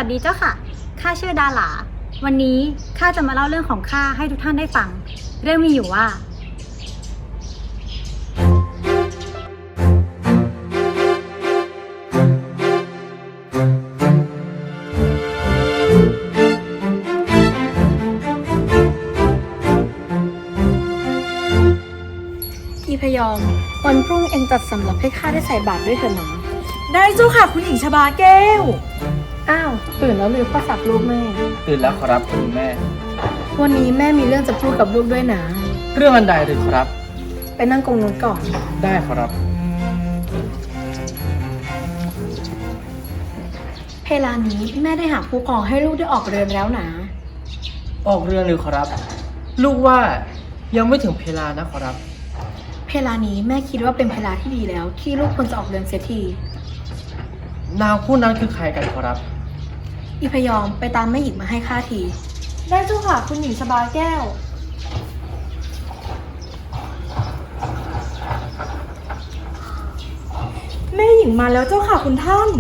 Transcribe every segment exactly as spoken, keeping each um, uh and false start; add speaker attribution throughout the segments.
Speaker 1: วัสดีเจ้าค่ะข้าชื่อดาหลาวันนี้ข้าจะมาเล่าเรื่องของข้าให้ทุกท่านได้ฟังเรื่องมีอยู่ว่า
Speaker 2: อีพยอมวันพรุ่งเองจัดสำรับให้ข้าได้ใส่บาตรด้วยเถอะหนา
Speaker 3: ได้เจ้าค่ะคุณหญิงชบาแก้ว
Speaker 2: อ้าวตื่นแล้วหรือพ่อสักลูกแม่
Speaker 4: ตื่นแล้วครับคุณแม่
Speaker 2: วันนี้แม่มีเรื่องจะพูดกับลูกด้วยนะ
Speaker 4: เรื่องอันใดหรือครับ
Speaker 2: ไปนั่งกงนู้นก่อน
Speaker 4: ได้ครับ
Speaker 2: เพลานี้แม่ได้หาผู้ปกครองให้ลูกได้ออกเรือนแล้วนะ
Speaker 4: ออกเรือนหรือครับลูกว่ายังไม่ถึงเพลานะครับ
Speaker 2: เพลานี้แม่คิดว่าเป็นเพลาที่ดีแล้วที่ลูกควรจะออกเรือนเสียที
Speaker 4: นางผู้นั้นคือใครกันครับ
Speaker 2: อีพยอมไปตามแม่หญิงมาให้ข้าที
Speaker 3: ได้เจ้าค่ะคุณหญิงชบาแก้วแม่หญิงมาแล้วเจ้าค่ะคุณท่าน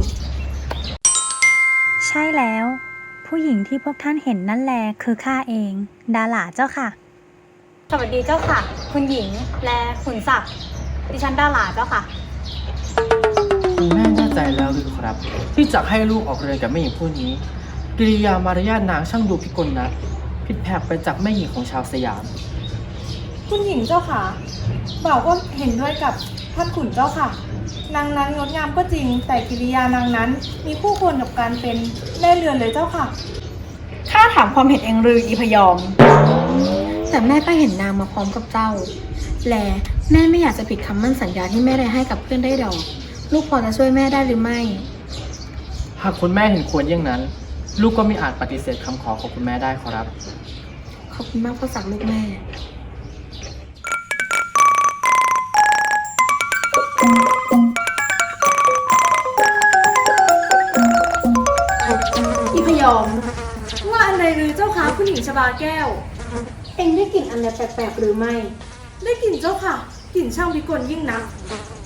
Speaker 1: ใช่แล้วผู้หญิงที่พวกท่านเห็นนั่นแลคือข้าเองดาหลาเจ้าค่ะสวัสดีเจ้าค่ะคุณหญิงและขุนศักดิ์ดิฉันดาหลาเจ้าค่ะ
Speaker 4: คุณแม่แน่ใจแล้วหรือครับที่จะให้ลูกออกเรือนกับแม่หญิงผู้นี้กิริยามารยาทนางช่างดูพิกลนะผิดแผกไปจากแม่หญิงของชาวสยาม
Speaker 3: คุณหญิงเจ้าค่ะบ่าวก็เห็นด้วยกับท่านขุนเจ้าค่ะนางนั้นงดงามก็จริงแต่กิริยานางนั้นมีคู่ควรกับการเป็นแม่เรือนเลยเจ้าค่ะ
Speaker 2: ข้าถามความเห็นเองหรืออีพยอมแต่แม่ก็เห็นนางมาพร้อมกับเจ้าและแม่ไม่อยากจะผิดคำมั่นสัญญาที่แม่ได้ให้กับเพื่อนได้ดอกลูกพอจะช่วยแม่ได้หรือไม่
Speaker 4: หากคุณแม่เห็นควรอย่างนั้นลูกก็ไม่อาจปฏิเสธคำขอของคุณแม่ได้ครับ
Speaker 2: ขอบคุณมากพ่อสักลูกแม่อีพยอม
Speaker 3: ว่าอันใดหรือเจ้าค่ะคุณหญิงชบาแก้ว
Speaker 2: เอ็งได้กลิ่นอันใดแปลกๆหรือไม่
Speaker 3: ได้กลิ่นเจ้าค่ะกลิ่นช่างพิกลยิ่งนัก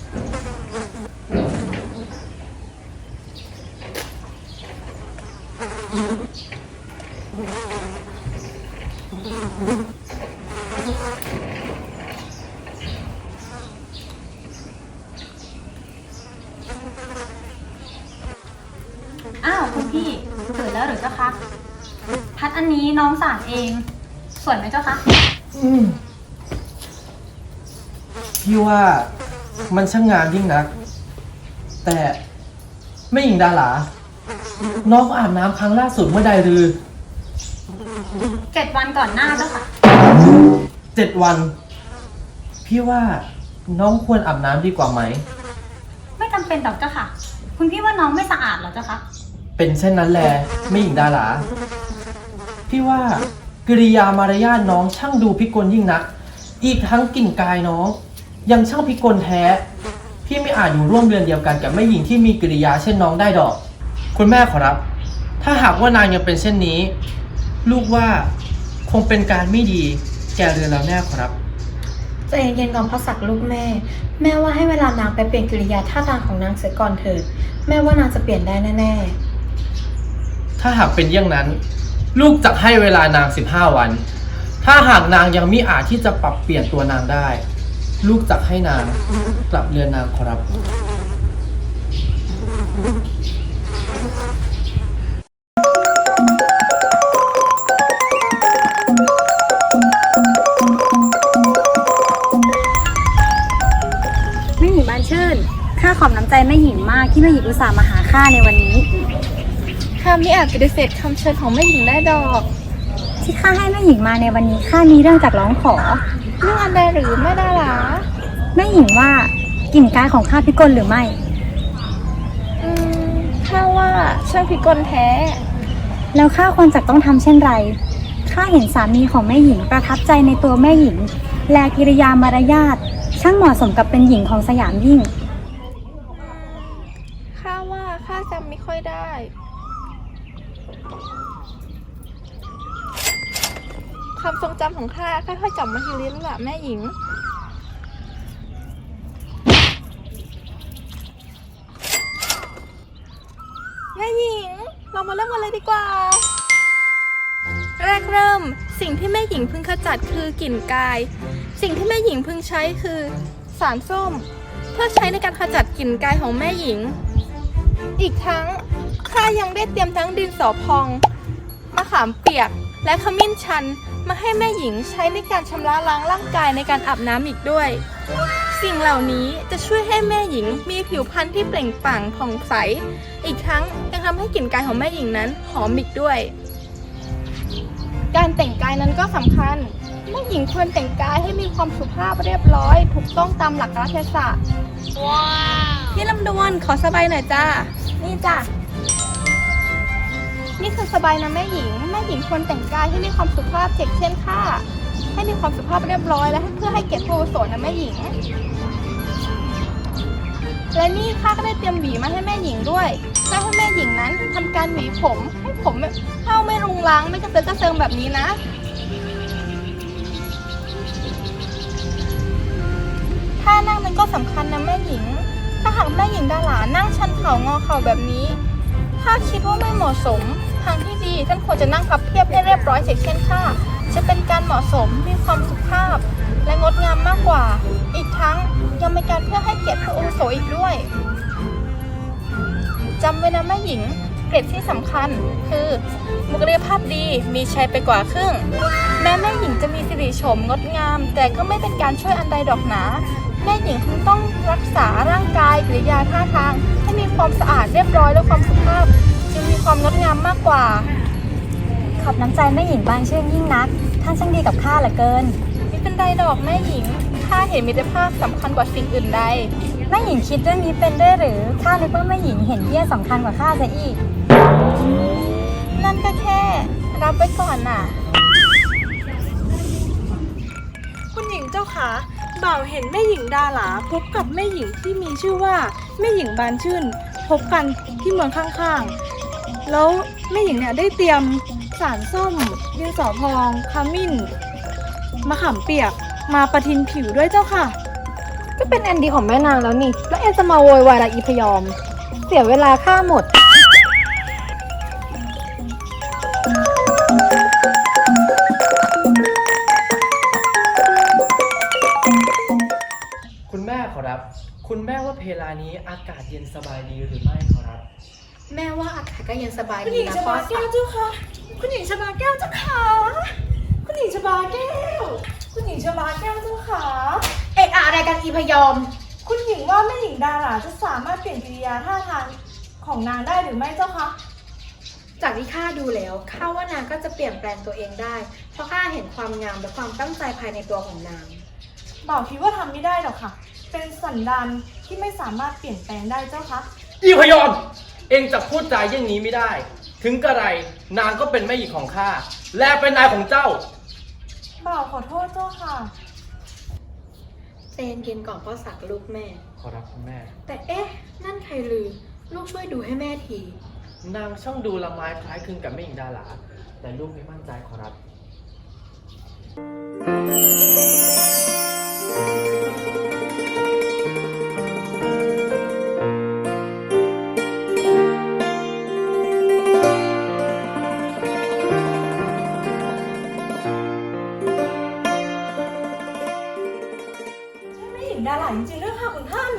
Speaker 1: อ้าวคุณพี่ตื่นแล้วหรือเจ้าคะพัดอันนี้น้องสารเองสวยไหมเจ้าคะ
Speaker 4: อืมพี่ว่ามันช่างงามยิ่งนักแต่แม่หญิงดาหลาน้องอาบน้ำครั้งล่าสุดเมื่อใดหรือ
Speaker 1: เจ็ดวันก่อนหน้าเจ้าค่ะ
Speaker 4: เจ็ดวันพี่ว่าน้องควรอาบน้ำดีกว่าไหม
Speaker 1: ไม่จำเป็นหรอกเจ้าค่ะคุณพี่ว่าน้องไม่สะอาดหรอเจ้าคะ
Speaker 4: เป็นเช่นนั้นแหละแม่หญิงดาหลาพี่ว่ากิริยามารยาทน้องช่างดูพิกลยิ่งนักอีกทั้งกลิ่นกายน้องยังช่างพิกลแท้พี่ไม่อาจอยู่ร่วมเรือนเดียวกันกับแม่หญิงที่มีกิริยาเช่นน้องได้ดอกคุณแม่ขอรับถ้าหากว่านางยังเป็นเช่นนี้ลูกว่าคงเป็นการไม่ดีแก่เรือนเราแน่ขอรับ
Speaker 2: ใจเย็นๆก่อนพ่อสักลูกแม่แม่ว่าให้เวลานางไปเปลี่ยนกิริยาท่าทางของนางเสียก่อนเถิดแม่ว่านางจะเปลี่ยนได้แน่
Speaker 4: ๆถ้าหากเป็นอย่างนั้นลูกจะให้เวลานางสิบห้าวันถ้าหากนางยังมิอาจที่จะปรับเปลี่ยนตัวนางได้ลูกจะให้นางกลับเรือนนางขอรับ
Speaker 1: แม่หญิงบานชื่นข้าขอบน้ำใจแม่หญิงมากที่แม่หญิงอุตส่าห์มาหาข้าในวันนี้
Speaker 2: ข้าไม่อาจปฏิเสธคำเชิญของแม่หญิงได้ดอก
Speaker 1: ที่ข้าให้แม่หญิงมาในวันนี้ข้ามีเรื่องจากร้องขอ
Speaker 2: เรื่องอันใดหรือแม่ดาหลา
Speaker 1: แม่หญิงว่ากลิ่นกายของข้าพิกลหรือไม่
Speaker 2: อืมข้าว่าช่างพิกลแท้
Speaker 1: แล้วข้าควรจะต้องทำเช่นไรข้าเห็นสามีของแม่หญิงประทับใจในตัวแม่หญิงและกิริยามารยาทช่างเหมาะสมกับเป็นหญิงของสยามยิ่ง
Speaker 2: ข้าว่าข้าจำไม่ค่อยได้ความทรงจำของข้าค่อยๆกลับมาทีลิ้นละแม่หญิงแม่หญิง
Speaker 3: เรามาเริ่มกันเลยดีกว่า แรกเริ่มสิ่งที่แม่หญิงพึงขจัดคือกลิ่นกาย สิ่งที่แม่หญิงพึงใช้คือสารส้ม เพื่อใช้ในการขจัดกลิ่นกายของแม่หญิง อีกทั้งข้ายังได้เตรียมทั้งดินสอพองมะขามเปียกและขมิ้นชันมาให้แม่หญิงใช้ในการชำระล้างร่างกายในการอาบน้ำอีกด้วย สิ่งเหล่านี้จะช่วยให้แม่หญิงมีผิวพรรณที่เปล่งปลั่งผ่องใส อีกทั้งยังทำให้กลิ่นกายของแม่หญิงนั้นหอมอีกด้วย การแต่งกายนั้นก็สำคัญแม่หญิงควรแต่งกายให้มีความสุภาพเรียบร้อย ถูกต้องตามหลักกาลเทศะว้าวพี่ลำดวนขอสบายหน่อยจ้านี่จ้ะนี่คือสบายนะแม่หญิงแม่หญิงควรแต่งกายให้มีความสุภาพเช่นเช่นค่ะให้มีความสุภาพเรียบร้อยและเพื่อให้เกียรติผู้อาวุโสนะแม่หญิง และนี่ข้าก็ได้เตรียมหวีมาให้แม่หญิงด้วยเพื่อให้แม่หญิงนั้นทำการหวีผมให้ผมเข้าไม่รุงรังไม่กระเซิงกระเซิงแบบนี้นะท่านั่งนั้นก็สำคัญนะแม่หญิงถ้าหากแม่หญิงดาหลานั่งชันเข่างอเข่าแบบนี้ถ้าคิดว่าไม่เหมาะสมทางที่ดีท่านควรจะนั่งพับเพียบให้เรียบร้อยเช่นค่ะจะเป็นการเหมาะสมมีความสุภาพและงดงามมากกว่าอีกทั้งยังเป็นการเพื่อให้เกียรติผู้อาวุโสอีกด้วยจำไว้นะแม่หญิงเกร็ดที่สำคัญคือบุคลิกภาพดีมีชัยไปกว่าครึ่งแม้แม่หญิงจะมีสิริโฉมงดงามแต่ก็ไม่เป็นการช่วยอันใดดอกหนาแม่หญิงคงต้องรักษาร่างกายกิริยาท่าทางให้มีความสะอาดเรียบร้อยและความสุภาพจึงมีความงดงามมากกว่า
Speaker 1: ขอบน้ำใจแม่หญิงบานชื่นยิ่งนักท่านช่างดีกับข้าเหลือเกิน
Speaker 3: ไม่เป็นไรดอกแม่หญิงข้าเห็นมิตรภาพสำคัญกว่าสิ่งอื่นใด
Speaker 1: แม่หญิงคิดเรื่องนี้เป็นด้วยหรือข้านึกว่าแม่หญิงเห็นเหี้ยสำคัญกว่าข้าซะอีก
Speaker 3: นั่นก็แค่รับไว้ก่อนน่ะคุณหญิงเจ้าขาบ่าวเห็นแม่หญิงดาหลาพบกับแม่หญิงที่มีชื่อว่าแม่หญิงบานชื่นพบกันที่เมืองข้างๆแล้วแม่หญิงเนี่ยได้เตรียมสารส้มดินสอพองขมิ้นมะขามเปียกมาประทินผิวด้วยเจ้าค่ะ
Speaker 2: ก็เป็นแอนดีของแม่นางแล้วนี่แล้วแอนจะมาโวยวายอะไรอีพยอมเสียเวลาข้าหมด
Speaker 4: คุณแม่ขอรับคุณแม่ว่าเพลานี้อากาศเย็นสบายดีหรือไม่ขอรับ
Speaker 2: แม่ว่าอากาศก็เย็นสบาย
Speaker 3: ดีนะพ่อแก้วเจ้าค่ะคุณหญิงชบาแก้วเจ้าค่ะคุณหญิงชบาแก้วคุณหญิงชบาแก้วเจ้าค่ะ
Speaker 2: เอกอะไรกันอีพยอม
Speaker 3: คุณหญิงว่าแม่หญิงดาหลาจะสามารถเปลี่ยนกิริยาท่าทางของนางได้หรือไม่เจ้าคะ
Speaker 2: จากที่ข้าดูแล้วข้าว่านางก็จะเปลี่ยนแปลงตัวเองได้เพราะข้าเห็นความงามและความตั้งใจภายในตัวของนาง
Speaker 3: บ่าวคิดว่าทำไม่ได้หรอกค่ะเป็นสันดานที่ไม่สามารถเปลี่ยนแปลงได้เจ้าคะ
Speaker 4: อีพยอมเองจะพูดจาอย่างนี้ไม่ได้ถึงกระไรนางก็เป็นแม่หญิงของข้าและเป็นนายของเจ้า
Speaker 3: บ่าวขอโทษเจ้าค่ะ
Speaker 2: ใจเย็นๆก่อนพ่อสักลูกแม่
Speaker 4: ขอรับคุณแม่
Speaker 2: แต่เอ๊ะนั่นใครลือลูกช่วยดูให้แม่ที
Speaker 4: นางช่างดูละไม้คล้ายคลึงกับแม่หญิงดาหลาแต่ลูกไม่มั่นใจขอรับ
Speaker 3: ดาหลาจริงๆด้วยค่ะคุณท่าน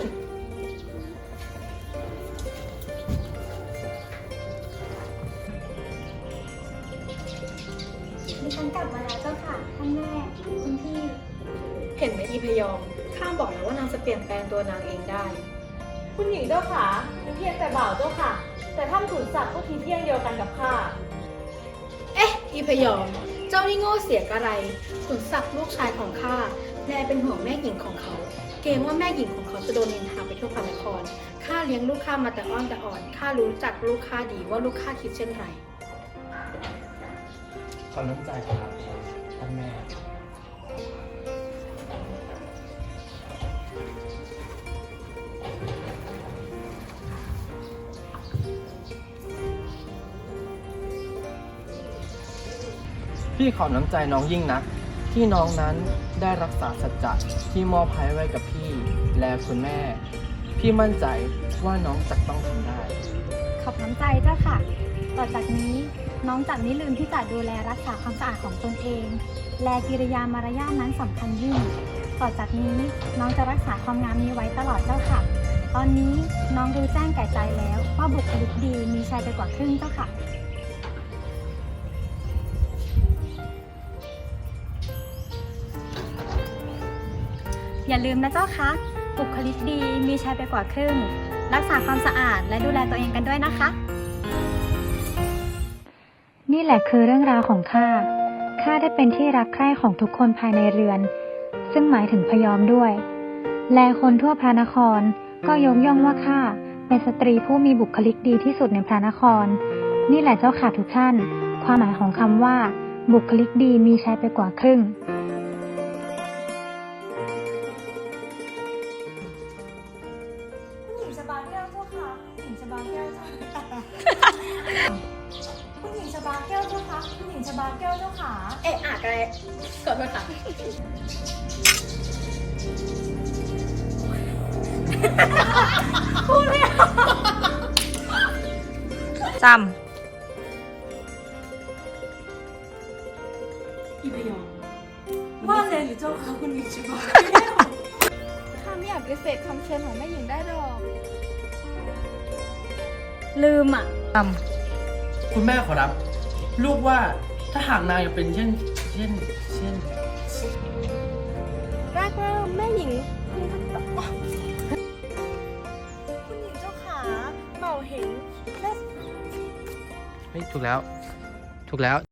Speaker 1: ดิฉันกลับมาแล้วเจ้าค่ะท่านแม่คุณพี่
Speaker 2: เห็นไหมอีพยอมข้าบอกแล้วว่านางจะเปลี่ยนแปลงตัวนางเองได้
Speaker 3: คุณหญิงเจ้าค่ะมีเพียงแต่บ่าวเจ้าค่ะแต่ท่านขุนศักดิ์ก็ทีเพียงเดียวกันกับข้า
Speaker 2: เอ๊ะอีพยอมเจ้านี่โง่เสียกระไรขุนศักดิ์ลูกชายของข้าแลเป็นห่วงแม่หญิงของเขาเกรงว่าแม่หญิงของเขาจะโดนนินทาไปทั่วพระนครข้าเลี้ยงลูกข้ามาแต่อ้อนแต่อ่อนข้ารู้จักลูกข้าดีว่าลูกข้าคิดเช่นไร
Speaker 4: ขอน้ำใจครับท่านแม่พี่ขอน้ำใจน้องยิ่งนักที่น้องนั้นได้รักษาสัจจะที่มอบให้ไว้กับพี่และคุณแม่พี่มั่นใจว่าน้องจะต้องทำได้
Speaker 1: ขอบน้ำใจเจ้าค่ะต่อจากนี้น้องจะไม่ลืมที่จะดูแลรักษาความสะอาดของตนเอง และกิริยามารยาทนั้นสำคัญยิ่ง ต่อจากนี้น้องจะรักษาความงามนี้ไว้ตลอดเจ้าค่ะ ตอนนี้น้องรู้แจ้งแก่ใจแล้วว่าบุคลิกดีมีชัยไปกว่าครึ่งเจ้าค่ะ อย่าลืมนะเจ้าคะบุคลิกดีมีชัยไปกว่าครึ่ง รักษาความสะอาดและดูแลตัวเองกันด้วยนะคะ นี่แหละคือเรื่องราวของข้า ข้าได้เป็นที่รักใคร่ของทุกคนภายในเรือน ซึ่งหมายถึงพยอมด้วย และคนทั่วพระนครก็ยกย่องว่าข้าเป็นสตรีผู้มีบุคลิกดีที่สุดในพระนคร นี่แหละเจ้าค่ะทุกท่าน ความหมายของคำว่า บุคลิกดีมีชัยไปกว่าครึ่ง
Speaker 5: คุณหญิงชบาแก้วเจ้าค่ะคุณหญิงชบาแก้วเจ้าค่ะคุณหญิงชบาแก้วเจ้าค่ะคุณหญิงชบาแก้วเจ้าค่ะ
Speaker 3: เอ๊ะอ่ะกันเลยขอโทษค่ะ
Speaker 5: จ
Speaker 2: อีพยอม
Speaker 5: ำว่าเลยหรือเจ้าค่ะคุณหญิงชบา
Speaker 3: ข้าไม่อยากปฏิเสธคำเชิญของแม่หญิงได้หรอก
Speaker 1: ลืมอ่ะ
Speaker 5: จ
Speaker 4: คุณแม่ขอรับ ลูกว่าถ้าหากนางยังเป็นเช่น เช่น เช่น
Speaker 3: แรกเริ่มแม่หญิงเพิ่งทักต่อ
Speaker 5: คุณหญิงเจ้าขาเป่าเห็นและ
Speaker 4: เฮ้ยถูกแล้ว ถูกแล้ว